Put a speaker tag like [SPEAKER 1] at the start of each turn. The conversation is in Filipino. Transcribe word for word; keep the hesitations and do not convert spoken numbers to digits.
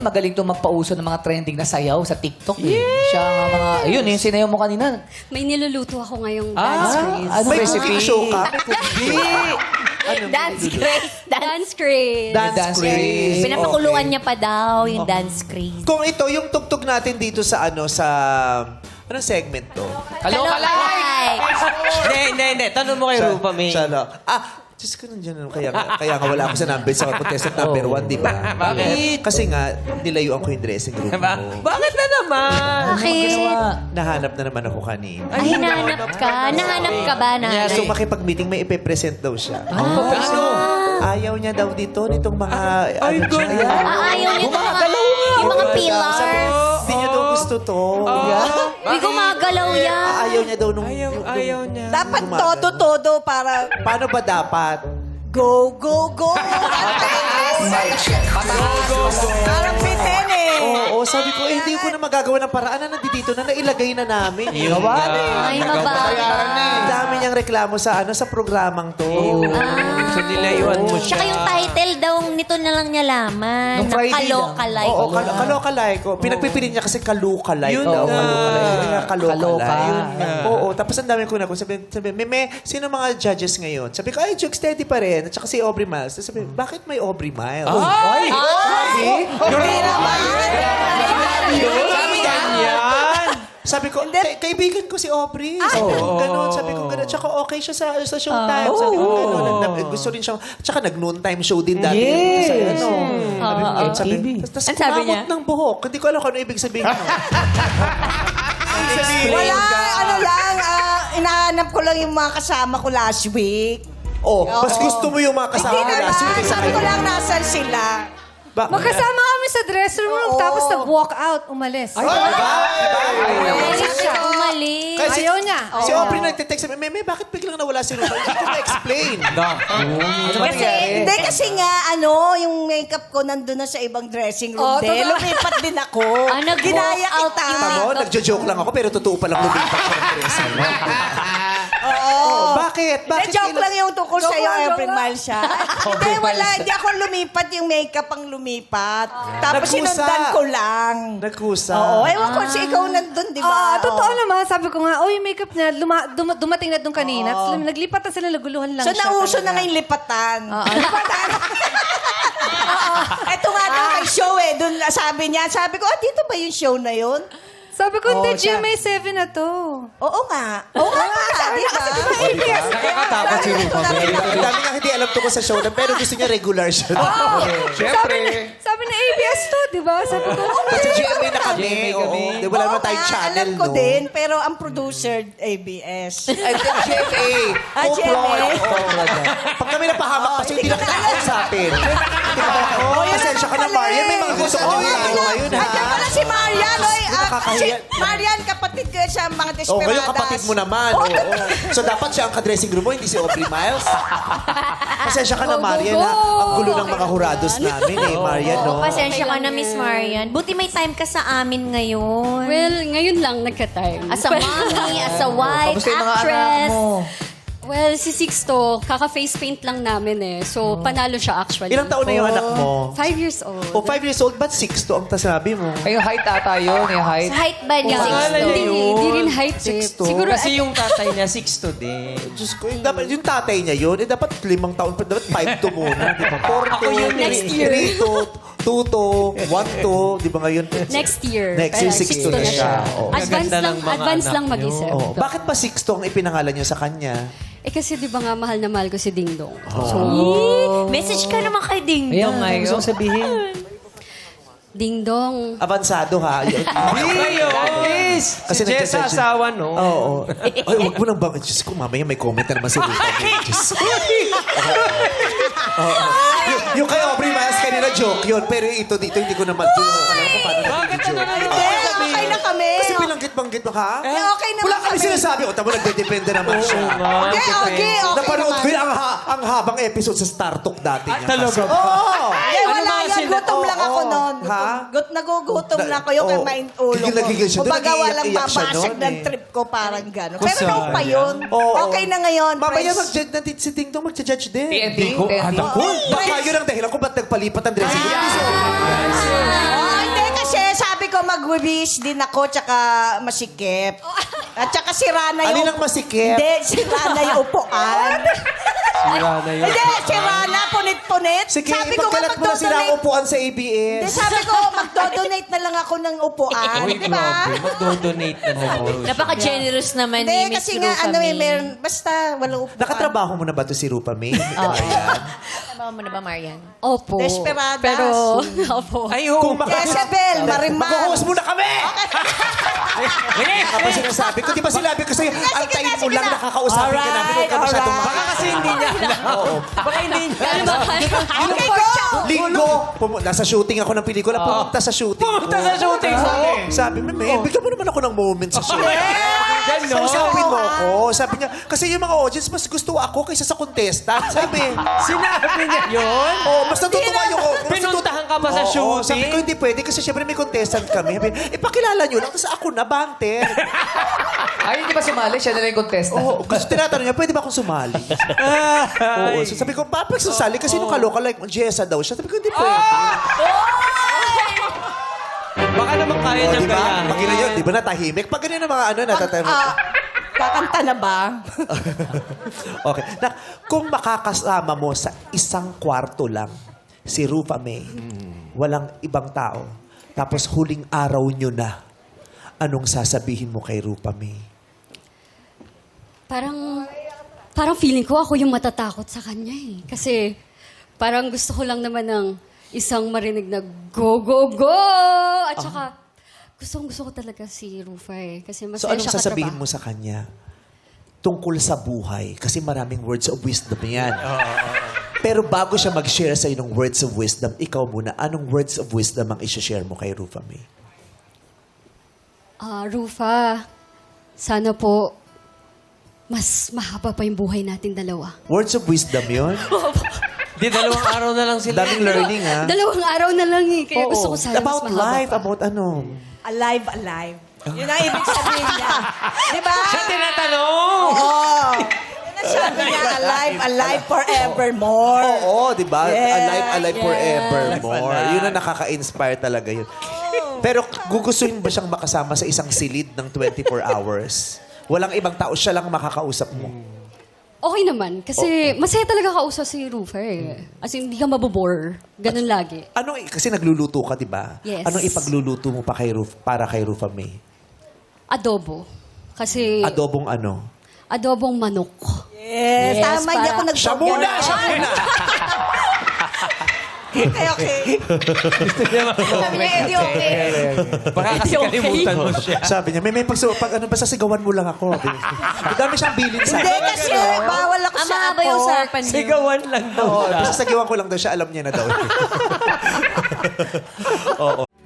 [SPEAKER 1] Magaling to magpauso ng mga trending na sayaw sa TikTok. Eh. Siya nga mga, ayun, yung sinayaw mo kanina.
[SPEAKER 2] May niluluto ako ngayong
[SPEAKER 1] Ah,
[SPEAKER 2] dance craze.
[SPEAKER 1] ano
[SPEAKER 3] May
[SPEAKER 1] recipe?
[SPEAKER 3] cooking show ka? May cooking. Ano,
[SPEAKER 4] Dance craze. Dance.
[SPEAKER 2] Dance craze.
[SPEAKER 3] Dance,
[SPEAKER 1] Dance
[SPEAKER 3] craze.
[SPEAKER 1] craze.
[SPEAKER 4] Pinapakuluan
[SPEAKER 3] Okay.
[SPEAKER 4] niya pa daw yung dance craze.
[SPEAKER 3] Kung ito, yung tugtog natin dito sa ano, sa... Anong segment to?
[SPEAKER 1] Kaloka
[SPEAKER 4] Kalokay.
[SPEAKER 5] Hindi, hindi, hindi. Tanong mo kay
[SPEAKER 3] Siya-
[SPEAKER 5] Rupa May.
[SPEAKER 3] siya lang. Ah, Diyos ko nandiyan. ano, Kaya, nga- kaya nga wala ako sa number sa contestant number one, di ba?
[SPEAKER 5] Bakit?
[SPEAKER 3] Kasi nga, nilayuan ko yung dressing room
[SPEAKER 5] Ba-
[SPEAKER 3] mo.
[SPEAKER 5] Bakit na naman?
[SPEAKER 4] Bakit?
[SPEAKER 3] Nahanap na naman ako kanina.
[SPEAKER 4] Ay, hinahanap ka. Nahanap ka ba na?
[SPEAKER 3] So makipag-meeting, may ipe-present daw siya.
[SPEAKER 1] Ano?
[SPEAKER 3] Ayaw niya daw dito, nitong mga...
[SPEAKER 5] Ay,
[SPEAKER 3] ano
[SPEAKER 5] God.
[SPEAKER 3] siya.
[SPEAKER 4] Ah, ayaw niya ng mga, yung mga pillars.
[SPEAKER 3] Hindi niya daw gusto to.
[SPEAKER 4] Uy, gumagalaw yan.
[SPEAKER 3] Ah, Ayaw niya daw nung...
[SPEAKER 5] Ayaw,
[SPEAKER 3] yung-
[SPEAKER 5] ayaw niya.
[SPEAKER 6] Dapat
[SPEAKER 3] Gumagano.
[SPEAKER 6] todo-todo para
[SPEAKER 3] Paano ba dapat?
[SPEAKER 6] go, go, go. Parang bitin eh.
[SPEAKER 3] Oo, sabi ko, eh, hindi ko na magagawa ng paraan na nandito na, nailagay na namin. Eh.
[SPEAKER 5] Yun
[SPEAKER 3] Gawa
[SPEAKER 5] nga.
[SPEAKER 3] na eh.
[SPEAKER 4] Ay, mababa.
[SPEAKER 3] Ang dami niyang reklamo sa ano sa programang to.
[SPEAKER 5] So, nilayuan mo siya.
[SPEAKER 4] Tsaka yung title daw nito na lang niya laman.
[SPEAKER 1] Nung Friday
[SPEAKER 4] Kalokalay.
[SPEAKER 3] Oo, kal- kalokalay ko. Pinagpipili niya kasi kalukalay
[SPEAKER 5] Yun
[SPEAKER 3] daw.
[SPEAKER 5] nga.
[SPEAKER 3] Kalukalay. Yun nga,
[SPEAKER 1] Kaloka.
[SPEAKER 3] kalukalay.
[SPEAKER 1] Yun
[SPEAKER 5] nga.
[SPEAKER 3] Oo, tapos ang dami ko na. Sabi, sabi, Meme, sino mga judges ngayon? Sabi ko, ay, Jug Steady pa rin. At saka si Aubrey Miles. Tapos sabi, bakit may Aubrey Miles?
[SPEAKER 1] Ay!
[SPEAKER 5] Sabi ganyan.
[SPEAKER 3] Sabi ko, "Kay- kaibigan ko si Aubrey. Sabi ko, gano'n. Sabi ko, gano'n. Tsaka okay siya sa, sa showtime. Sabi ko, gano'n. Nag- nag- Gusto rin siyang, tsaka nag-noontime show din dati.
[SPEAKER 1] Yes.
[SPEAKER 3] Sa, ano. Sabi ko,
[SPEAKER 4] Oo.
[SPEAKER 3] sabi,
[SPEAKER 1] T V.
[SPEAKER 3] tas, tas
[SPEAKER 4] Ang sabi
[SPEAKER 3] kumamot
[SPEAKER 4] niya?
[SPEAKER 3] ng buhok. Hindi ko alam kung ano ibig sabihin. nun.
[SPEAKER 6] Wala, ano lang, ah, inahanap ko lang yung mga kasama ko last week.
[SPEAKER 3] Oh, mas gusto mo yung mga kasama
[SPEAKER 6] Hindi
[SPEAKER 3] ko
[SPEAKER 6] naman,
[SPEAKER 3] last week kaysa
[SPEAKER 6] sabi ko
[SPEAKER 3] kayo.
[SPEAKER 6] lang nasan sila.
[SPEAKER 3] Ba-
[SPEAKER 7] Magkasama kami sa dressing room,
[SPEAKER 6] Oo.
[SPEAKER 7] tapos nag-walk out, umalis.
[SPEAKER 3] Ay, diba?
[SPEAKER 4] Umalis siya. Umalis.
[SPEAKER 3] Kasi
[SPEAKER 7] Ayaw niya.
[SPEAKER 3] Si Aubrey nagtitext sabi, Meme, bakit biglang nawala si Rupa? Hindi ko ma-explain.
[SPEAKER 6] Kasi, hindi kasi nga, ano, yung makeup ko nandun na sa ibang dressing room
[SPEAKER 7] Oh,
[SPEAKER 6] din.
[SPEAKER 7] totoo.
[SPEAKER 6] Lumipat din ako.
[SPEAKER 4] Ah, nag-walk
[SPEAKER 6] Ginaya
[SPEAKER 4] out
[SPEAKER 6] kita.
[SPEAKER 4] yung
[SPEAKER 3] Tamo, nagjo-joke lang ako, pero totoo palang lumipat ko ng dressing room.
[SPEAKER 6] Oo.
[SPEAKER 3] Bakit?
[SPEAKER 6] Hindi,
[SPEAKER 3] Bakit?
[SPEAKER 6] joke
[SPEAKER 3] kailan-
[SPEAKER 6] lang yung tungkol
[SPEAKER 7] Joke
[SPEAKER 6] sa'yo,
[SPEAKER 7] lang, joke
[SPEAKER 6] Every
[SPEAKER 7] lang.
[SPEAKER 6] Mile siya. Hindi, wala. Hindi ako lumipat. Yung makeup ang lumipat. Tapos
[SPEAKER 3] Nagkusa.
[SPEAKER 6] sinundan ko lang.
[SPEAKER 3] Nagkusa.
[SPEAKER 6] Oo, ewan ko si ikaw nandun, di ba?
[SPEAKER 7] Ah, totoo
[SPEAKER 6] Oo.
[SPEAKER 7] naman. Sabi ko nga, oh, yung makeup niya, luma, dum- dumating na doon kanina. Tapos naglipat na sila, naguluhan lang
[SPEAKER 6] So,
[SPEAKER 7] siya.
[SPEAKER 6] nauso
[SPEAKER 7] talaga.
[SPEAKER 6] na ngayon lipatan.
[SPEAKER 7] Oo, lipatan.
[SPEAKER 6] Ito nga daw may show eh. Doon sabi niya, sabi ko, ah, dito ba yung show na yun?
[SPEAKER 7] Sabi ko, hindi,
[SPEAKER 6] Oo, siya.
[SPEAKER 7] G M A seven na to.
[SPEAKER 6] Oo nga. Oo nga pala, di ba?
[SPEAKER 5] Nakakatakot si Rupa May.
[SPEAKER 3] Ang dami nga hindi alam to ko sa show na, pero gusto niya regular siya.
[SPEAKER 7] Sabi, ni, sabi ni A B S to, di ba? Sabi ko, oh,
[SPEAKER 3] Kasi G M A na kami.
[SPEAKER 5] G M A
[SPEAKER 3] Oo.
[SPEAKER 5] kami.
[SPEAKER 3] Di, wala
[SPEAKER 6] Oo
[SPEAKER 3] naman tayong
[SPEAKER 6] nga,
[SPEAKER 3] channel,
[SPEAKER 6] alam ko
[SPEAKER 3] no?
[SPEAKER 6] din, pero ang producer, A B S.
[SPEAKER 3] Ay, G M A.
[SPEAKER 6] Ah, G M A.
[SPEAKER 3] Pag kami napahamak kasi hindi na kita kausapin. Di ba ako? Pasensya ka na, Marian. May mga gusto ko
[SPEAKER 6] Oo
[SPEAKER 3] din
[SPEAKER 6] nga,
[SPEAKER 3] tayo ngayon, ha?
[SPEAKER 6] Andiyan pala si Marian. Oy, ah, si
[SPEAKER 3] Nakakahiya.
[SPEAKER 6] Marian, kapatid ko yan sa mga
[SPEAKER 3] Oh,
[SPEAKER 6] Desperadas.
[SPEAKER 3] ngayon kapatid mo naman. Oo. So dapat siya ang ka-dressing room mo, hindi si Aubrey Miles. Pasensya ka na,
[SPEAKER 7] Go, go,
[SPEAKER 3] Marian,
[SPEAKER 7] go.
[SPEAKER 3] ha? Ang gulo ng mga hurados namin, eh, Marian, no?
[SPEAKER 4] Oh, pasensya ka na, Miss Marian. Buti may time ka sa amin ngayon.
[SPEAKER 2] Well, ngayon lang nagka-time.
[SPEAKER 4] As a mommy, as a wife,
[SPEAKER 1] Kamusta yung mga anak
[SPEAKER 4] actress.
[SPEAKER 1] mo?
[SPEAKER 2] Well, si Sixto, kaka-face paint lang namin eh. So, panalo siya actually.
[SPEAKER 3] Ilang taon na yung anak mo?
[SPEAKER 2] Five years old.
[SPEAKER 3] O, five years old, ba't six to ang tasabi mo?
[SPEAKER 1] Ay, yung height ata yun, yung height.
[SPEAKER 4] Sa height ba niya?
[SPEAKER 5] Pangalan niya
[SPEAKER 2] Hindi,
[SPEAKER 5] yun.
[SPEAKER 2] hindi rin height eh.
[SPEAKER 3] Sixto?
[SPEAKER 2] Siguro,
[SPEAKER 5] Kasi yung tatay niya, six to din.
[SPEAKER 3] Diyos ko, yung, dapat, yung tatay niya yun, eh, dapat limang taon pa, dapat five to muna, di ba? Four to,
[SPEAKER 5] Ako yun,
[SPEAKER 2] next year.
[SPEAKER 3] three to, two to, one to, di ba ngayon?
[SPEAKER 2] next year.
[SPEAKER 3] Next year,
[SPEAKER 2] Kaya
[SPEAKER 3] six to na siya. Oo.
[SPEAKER 2] Advance
[SPEAKER 5] Gaganda
[SPEAKER 2] lang,
[SPEAKER 5] ng mga
[SPEAKER 2] advance
[SPEAKER 5] anak
[SPEAKER 2] lang mag-isip.
[SPEAKER 3] Oh, bakit pa six to ang ipinangalan niyo sa kanya?
[SPEAKER 2] Eh kasi di ba nga mahal na mahal ko si Ding Dong. So,
[SPEAKER 4] Message ka naman kay Ding
[SPEAKER 1] Ayan
[SPEAKER 4] Dong.
[SPEAKER 1] nga, gusto kong sabihin.
[SPEAKER 2] Ding Dong.
[SPEAKER 3] Avansado ha. Y-
[SPEAKER 5] Ngayon,
[SPEAKER 3] Kasi
[SPEAKER 5] si Jess sa
[SPEAKER 3] nagja-judge-
[SPEAKER 5] asawa, no?
[SPEAKER 3] Oo. Ay, wag mo nang bang... Diyos ko, mamaya may comment na naman si Rupa. Diyos ko. Oo. Yung, yung kay Aubrey Miles kanina joke yun, pero ito dito hindi ko naman joke. Alam ko paano
[SPEAKER 5] Bakit
[SPEAKER 3] naging joke.
[SPEAKER 5] ano
[SPEAKER 6] Hindi, okay na kami.
[SPEAKER 3] Kasi binanggit-banggit mo ka?
[SPEAKER 6] Eh, okay naman
[SPEAKER 3] Wala kami
[SPEAKER 6] kami.
[SPEAKER 3] sinasabi. O, tamo nagdedepende naman siya.
[SPEAKER 6] Okay, okay, okay
[SPEAKER 3] Napanood ko
[SPEAKER 6] naman.
[SPEAKER 3] yun ang, ha- ang habang episode sa Star Talk dati niya.
[SPEAKER 5] talaga?
[SPEAKER 3] Oo.
[SPEAKER 6] Eh,
[SPEAKER 5] Ano
[SPEAKER 6] wala
[SPEAKER 5] mga
[SPEAKER 6] yan.
[SPEAKER 5] sila-
[SPEAKER 6] Gutom lang ako
[SPEAKER 3] Oo.
[SPEAKER 6] noon.
[SPEAKER 3] Ha?
[SPEAKER 6] Gut nagugutom
[SPEAKER 3] Na-
[SPEAKER 6] lang ako yung kay
[SPEAKER 3] Oo.
[SPEAKER 6] main ulo
[SPEAKER 3] Gigil na
[SPEAKER 6] ko.
[SPEAKER 3] gigil siya doon.
[SPEAKER 6] Kumbaga walang
[SPEAKER 3] Nag-iiyak-iyak siya
[SPEAKER 6] babasag
[SPEAKER 3] noon,
[SPEAKER 6] ng
[SPEAKER 3] eh.
[SPEAKER 6] trip ko, parang gano'n. Pero
[SPEAKER 5] Kusa.
[SPEAKER 6] noon pa yun.
[SPEAKER 3] Oo.
[SPEAKER 6] Okay na ngayon.
[SPEAKER 3] Mamaya
[SPEAKER 6] friends.
[SPEAKER 3] mag-judge natin si Ting Dong, mag-judge judge din.
[SPEAKER 1] T N T.
[SPEAKER 5] Hindi ko
[SPEAKER 1] T N T.
[SPEAKER 5] alam.
[SPEAKER 3] Baka yun ang dahilan kung ba't nagpalipat ang dressing room.
[SPEAKER 6] Oh, hindi kasi sabi ko mag-wish din ako tsaka masikip. At tsaka sira na yung...
[SPEAKER 3] Alin ang masikip?
[SPEAKER 6] Hindi, sira na yung upuan.
[SPEAKER 5] Sira na yun.
[SPEAKER 6] Hindi, sira na, punit-punit.
[SPEAKER 3] Sige,
[SPEAKER 6] sabi ko nga
[SPEAKER 3] ipagkalat mo na sila ang
[SPEAKER 6] magdodonate.
[SPEAKER 3] upuan sa A B
[SPEAKER 6] Hindi,
[SPEAKER 3] S.
[SPEAKER 6] sabi ko magdodonate na lang ako ng upuan.
[SPEAKER 5] Uy,
[SPEAKER 6] Di ba?
[SPEAKER 5] grabe. Magdo-donate na naman.
[SPEAKER 4] Napaka-generous naman
[SPEAKER 6] Hindi,
[SPEAKER 4] ni Miss
[SPEAKER 6] kasi nga,
[SPEAKER 4] Rufa
[SPEAKER 6] ano eh,
[SPEAKER 4] May.
[SPEAKER 6] meron, basta walang upuan.
[SPEAKER 3] Nakatrabaho mo na ba to si Rupa May?
[SPEAKER 4] Trabaho mo na ba, Marian?
[SPEAKER 2] Opo.
[SPEAKER 6] Desperadas.
[SPEAKER 2] Pero, opo.
[SPEAKER 5] Ay, oo.
[SPEAKER 3] Kung maka-
[SPEAKER 6] Jezebel, Marimar.
[SPEAKER 3] Mag-host muna kami! Ano ba sinasabi ko? Di ba sinabi ko sa'yo,
[SPEAKER 6] sige
[SPEAKER 3] antayin
[SPEAKER 6] na,
[SPEAKER 3] mo
[SPEAKER 6] sige
[SPEAKER 3] lang,
[SPEAKER 6] na.
[SPEAKER 3] nakakausapin ka namin, huwag ka
[SPEAKER 6] Alright,
[SPEAKER 3] masyadong
[SPEAKER 6] alright.
[SPEAKER 5] Baka kasi hindi niya alam. Oo. Baka hindi niya
[SPEAKER 2] Ano
[SPEAKER 5] alam.
[SPEAKER 2] ba?
[SPEAKER 6] Okay, go!
[SPEAKER 3] Linggo, pumu- nasa shooting ako ng pelikula, pumunta sa shooting ko.
[SPEAKER 5] Pumunta sa shooting mo.
[SPEAKER 3] Sabi mo, May, bigyan mo naman ako ng moment sa shooting.
[SPEAKER 5] Ganon.
[SPEAKER 3] Sabi mo ako, sabi niya, kasi yung mga audience, mas gusto ako kaysa sa contestant. Sabi,
[SPEAKER 5] Sinabi niya yun?
[SPEAKER 3] oh, mas natutuwa yung... mas natutuwa-
[SPEAKER 5] Pinuntahan ka pa sa
[SPEAKER 3] Oo,
[SPEAKER 5] shooting?
[SPEAKER 3] Sabi ko, hindi pwede kasi syempre may contestant kami. Sabi, ipakilala nyo lang, tapos ako na, banter.
[SPEAKER 1] Ay, hindi ba sumali? Siya na lang yung contestant.
[SPEAKER 3] Oo, gusto tinatanong niya, pwede ba akong sumali? Oo, so sabi ko, Papa, susali kasi nung kaloka, like, Jessa daw siya. Sabi ko, hindi pwede.
[SPEAKER 5] Baka naman kaya
[SPEAKER 3] Oh,
[SPEAKER 5] niyang
[SPEAKER 3] di ba?
[SPEAKER 5] gayahin.
[SPEAKER 3] Pag ganyan, di ba natahimik? Pag ganyan ang mga ano, natatahimik.
[SPEAKER 6] Ah, kakanta na ba?
[SPEAKER 3] Okay. Na, kung makakasama mo sa isang kwarto lang, si Rufa May, walang ibang tao, tapos huling araw nyo na, anong sasabihin mo kay Rufa May?
[SPEAKER 2] Parang, parang feeling ko ako yung matatakot sa kanya eh. Kasi, parang gusto ko lang naman ng isang marinig na go, go, go! At saka, gustong gusto ko talaga si Rufa eh. Kasi
[SPEAKER 3] So
[SPEAKER 2] masaya
[SPEAKER 3] anong
[SPEAKER 2] siya
[SPEAKER 3] sasabihin
[SPEAKER 2] katrabaho.
[SPEAKER 3] mo sa kanya? Tungkol sa buhay. Kasi maraming words of wisdom yan. Pero bago siya mag-share sa'yo ng words of wisdom, ikaw muna, anong words of wisdom ang isi-share mo kay Rufa May?
[SPEAKER 2] Ah, Rufa, sana po, mas mahaba pa yung buhay natin dalawa.
[SPEAKER 3] Words of wisdom yun?
[SPEAKER 5] Di, dalawang araw na lang sila.
[SPEAKER 3] Daming learning, ha?
[SPEAKER 2] Dalawang araw na lang eh. Kaya
[SPEAKER 3] Oo.
[SPEAKER 2] gusto ko sana
[SPEAKER 3] About
[SPEAKER 2] mas mahaba
[SPEAKER 3] life,
[SPEAKER 2] pa.
[SPEAKER 3] about ano?
[SPEAKER 6] Alive, alive. Yun ang ibig sabihin niya. Di ba?
[SPEAKER 5] Siya tinatanong!
[SPEAKER 6] Oo. Yun ang sabi niya, alive, alive forevermore.
[SPEAKER 3] Oo, di ba?
[SPEAKER 6] Yes,
[SPEAKER 3] Alive, alive
[SPEAKER 6] yes.
[SPEAKER 3] forevermore. Yun ang nakaka-inspire talaga yun. Pero gugustuhin ba siyang makasama sa isang silid ng twenty-four hours? Walang ibang tao, siya lang makakausap mo.
[SPEAKER 2] Okay naman. Kasi masaya talaga kausap si Rufa eh. As in, hindi ka mabobore. Ganun lagi.
[SPEAKER 3] Anong, kasi nagluluto ka, di ba?
[SPEAKER 2] Yes.
[SPEAKER 3] Anong ipagluluto mo pa kay Ruf, para kay Rufa May?
[SPEAKER 2] Adobo. Kasi
[SPEAKER 3] Adobong ano?
[SPEAKER 2] adobong manok.
[SPEAKER 6] Yes,
[SPEAKER 2] Yes,
[SPEAKER 6] tama, hindi
[SPEAKER 2] para-
[SPEAKER 6] ako nag
[SPEAKER 3] Siya muna! Siya muna!
[SPEAKER 6] Okay, okay.
[SPEAKER 4] Sabi niya, hindi okay.
[SPEAKER 5] Baka kasi
[SPEAKER 2] Okay.
[SPEAKER 5] kalimutan mo siya.
[SPEAKER 3] Sabi niya, may may pag, pag ano ba sasigawan mo lang ako. Madami siyang bilin sa
[SPEAKER 6] Hindi kasi bawal ako
[SPEAKER 4] Ang
[SPEAKER 6] sa
[SPEAKER 4] mahaba yung
[SPEAKER 6] apo.
[SPEAKER 4] usapan niyo.
[SPEAKER 5] Sigawan lang daw
[SPEAKER 3] Oo,
[SPEAKER 5] siya.
[SPEAKER 3] basta sagiwan ko lang daw siya, alam niya na daw. Oo.